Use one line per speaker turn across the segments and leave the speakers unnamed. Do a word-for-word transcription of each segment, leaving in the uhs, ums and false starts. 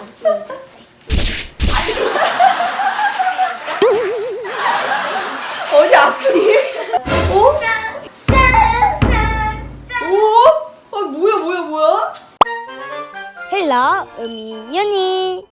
시작.
어디 아프니? 어?
짠! 짠! 짠! 짠!
어? 아 뭐야 뭐야 뭐야?
헬로 음이윤이.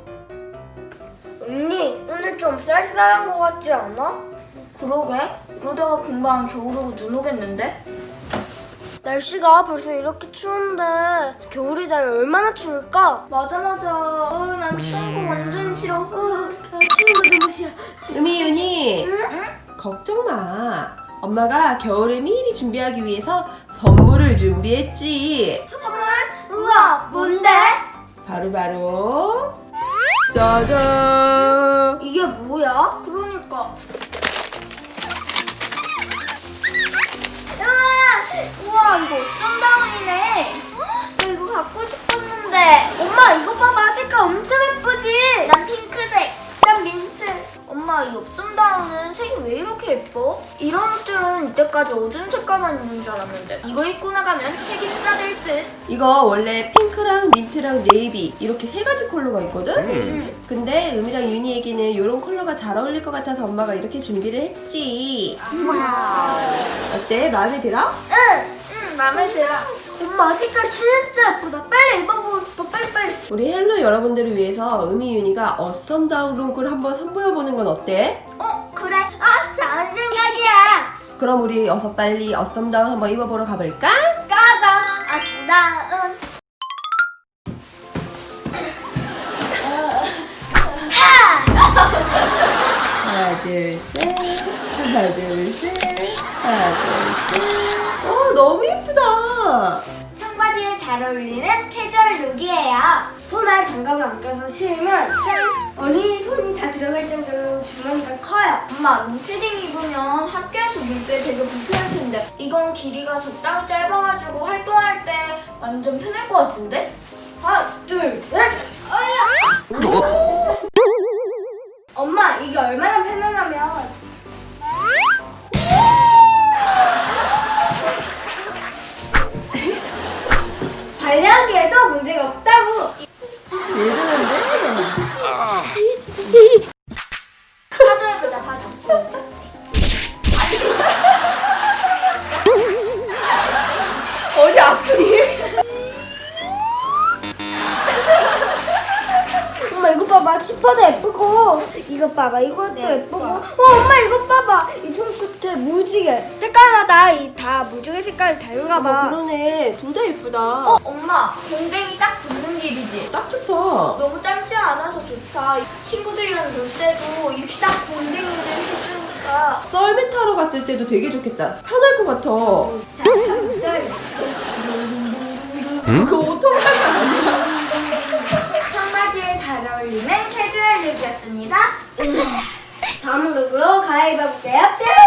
언니 오늘 좀 쌀쌀한 거 같지 않아?
그러게? 이러다가 금방 겨울 오고 눈 오겠는데?
날씨가 벌써 이렇게 추운데 겨울이 되면 얼마나 추울까?
맞아 맞아. 어, 난 추운 거 완전 싫어. 어, 나 추운 거 너무 싫어.
음이윤이 걱정 마. 엄마가 겨울을 미리 준비하기 위해서 선물을 준비했지.
선물? 우와, 뭔데?
바로바로 짜잔.
이게 뭐야?
그러니까.
우와 이거 썬다운이네. 나 이거 갖고 싶었는데. 엄마 이거 봐봐, 색깔 엄청 예쁘지?
난 핑크색.
난 민트. 엄마 이 옵선다운은 색이 왜 이렇게 예뻐?
이런 옷들은 이때까지 어두운 색깔만 있는 줄 알았는데 이거 입고 나가면 핵이 싸될 듯.
이거 원래 핑크랑 민트랑 네이비 이렇게 세 가지 컬러가 있거든?
음.
근데 음이랑 윤이에게는 이런 컬러가 잘 어울릴 것 같아서 엄마가 이렇게 준비를 했지. 어때? 마음에 들어?
응, 응, 마음에 들어. 엄마 색깔 진짜 예쁘다. 빨리 입어보고 싶어. 빨리 빨리.
우리 헬로 여러분들을 위해서 음이 윤이가 어썸다운 룩을 한번 선보여보는 건 어때?
어 그래. 아 좋은 생각이야.
그럼 우리 어서 빨리 어썸다운 한번 입어보러 가볼까?
까가 아름다운.
하나 둘셋 하나 둘셋 하나 둘셋. 어 너무 예쁘다.
청바지에 잘 어울리는 캐주얼 룩이에요. 손에 장갑을 안 껴서 신으면 짠! 어린이 손이 다 들어갈 정도로 주머니가 커요.
엄마, 롱패딩 입으면 학교에서 놀 때 되게 불편할 텐데 이건 길이가 적당히 짧아가지고 활동할 때 완전 편할 것 같은데?
하나, 둘, 셋! 어이야! 엄마, 이게 얼마나 편안하면 관리하기에도 문제가 없다고!
왜 그러는데?
파도해보자, 파도. 시작.
어디 아프니?
엄마 이거 봐봐, 치파도 예쁘고 이거 봐봐, 이것도 예쁘고 어 엄마 이거 봐봐, 이 손끝에 무지개 색깔마다 이 다 무지개 색깔이 다른가
어,
봐.
그러네. 둘 다 예쁘다.
어, 엄마, 공댕이 딱 붙는 길이지?
딱 좋다.
너무 짧지 않아서 좋다. 친구들이랑 놀 때도 이렇게 딱 공댕이를 해주니까.
썰매 타러 갔을 때도 되게 좋겠다. 편할 것 같아.
자, 썰.
그 오토바이 아니야?
청바지에 잘 어울리는 캐주얼 룩이었습니다. 다음 룩으로 갈아입어볼게요.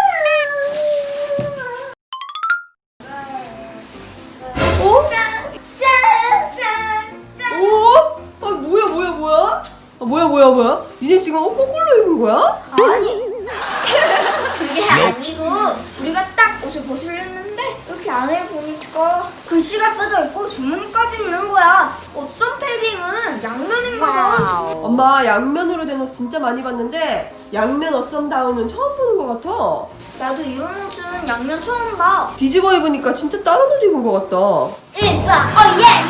어?
짠! 짠! 짠! 짠!
오? 아 뭐야 뭐야 뭐야? 아 뭐야 뭐야 뭐야? 니네 지금 어, 거꾸로 입은 거야?
아니,
그게 아니고, 우리가 딱 옷을 벗으려 했는데,
이렇게 안에 보니까 글씨가 써져 있고 주머니까지 있는 거야.
옷선 패딩은 양면인가 봐.
엄마 양면으로 된 옷 진짜 많이 봤는데 양면 어썸다운은 처음 보는 것 같아.
나도 이런 옷은 양면 처음 봐.
뒤집어 입으니까 진짜 다른 옷 입은 것 같다.
이빠! 어 예!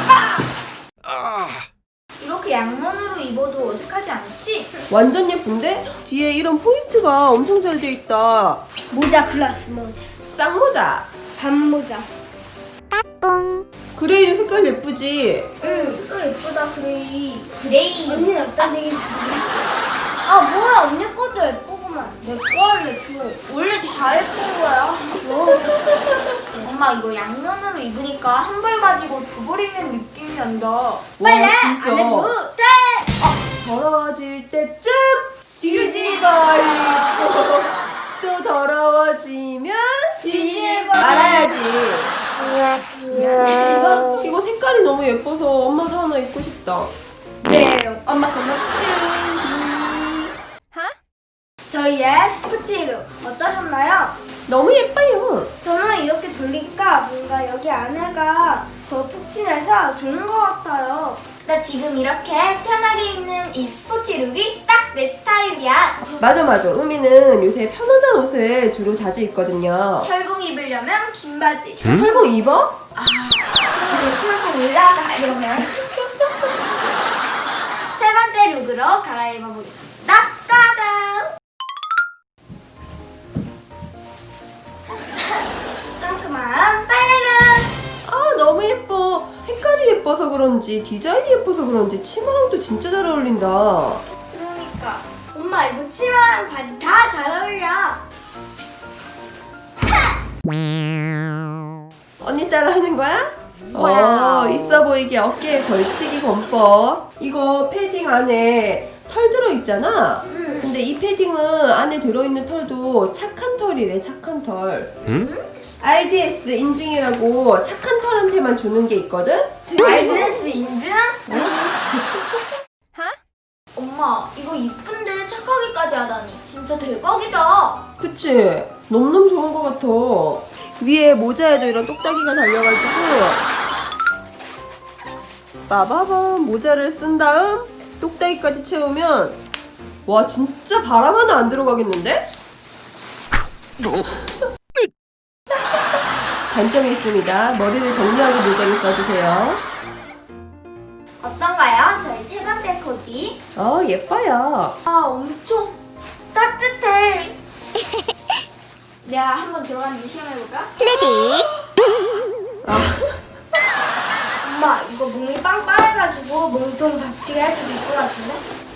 이렇게 양면으로 입어도 어색하지 않지?
완전 예쁜데? 뒤에 이런 포인트가 엄청 잘 돼 있다.
모자 플러스 모자.
쌍모자.
반모자.
그레이도 색깔 예쁘지?
응.
색깔 예쁘다, 그레이. 그레이.
언니는 어떤 되게 잘해? 아 뭐야, 언니 것도 예쁘구만. 내 거 할래, 줘.
원래 다 예쁜 거야.
줘.
엄마, 이거 양면으로 입으니까 한 벌 가지고 두 벌 입는 느낌이 난다.
빨리
와, 진짜.
안에 두 대.
더러워질 때쯤 뒤집어 입고 또 더러워지면
뒤집어
말아야지.
뒤집어.
이거 색깔이 너무 예뻐서 엄마도 하나 입고 싶다.
네, 엄마 고맙지. 저희의 스포티룩 어떠셨나요?
너무 예뻐요.
저는 이렇게 돌리니까 뭔가 여기 안에가 더 푹신해서 좋은 것 같아요.
나 지금 이렇게 편하게 입는 이 스포티 룩이 딱 내 스타일이야.
맞아 맞아. 음이는 요새 편안한 옷을 주로 자주 입거든요.
철봉 입으려면 긴 바지.
철봉 입어?
아, 친구들 철봉 올라가 이러면. 세 번째 룩으로 갈아입어 보겠습니다. 따당! 상큼한 빨래는
아 너무 예뻐. 색깔이 예뻐서 그런지 디자인이 예뻐서 그런지 치마랑도 진짜 잘 어울린다.
그러니까
엄마 이거 치마랑 바지 다 잘 어울려.
언니 따라 하는 거야?
와우.
어, 있어 보이게 어깨에 걸치기 권법. 이거 패딩 안에 털 들어있잖아.
응.
근데 이 패딩은 안에 들어있는 털도 착한 털이래, 착한 털. 알디에스 인증이라고 착한 털한테만 주는 게 있거든?
알드레스 인증? 엄마 이거 이쁜데 착하기까지 하다니 진짜 대박이다.
그치? 너무너무 좋은 것 같아. 위에 모자에도 이런 똑딱이가 달려가지고 빠바밤 모자를 쓴 다음 똑딱이까지 채우면 와 진짜 바람 하나 안 들어가겠는데? 단점이 있습니다. 머리를 정리하고 모자를 써주세요.
어떤가요? 저희 세 번째 코디.
어 예뻐요.
아 엄청 따뜻해. 내가 한번 들어갔는지 시험해볼까?
아,
엄마 이거 몸이 빵빵해가지고 몸통 박치기 할 수도 있을 것 같은데?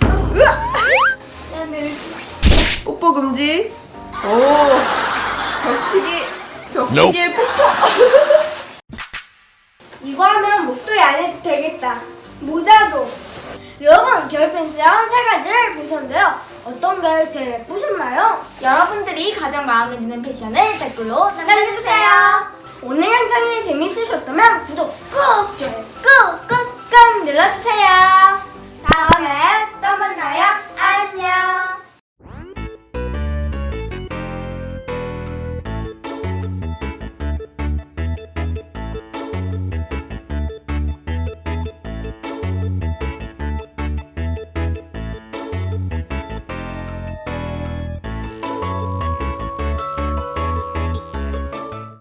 네,
뽀뽀 금지. 오 벽치기 벽치기에 뽀뽀.
이거 하면 목도리 안 해도 되겠다. 모자도. 여러분 겨울 팬츠랑 세 가지를 보셨는데요. 어떤 게 제일 예쁘셨나요?
여러분들이 가장 마음에 드는 패션을 댓글로 남겨주세요.
오늘 영상이 재밌으셨다면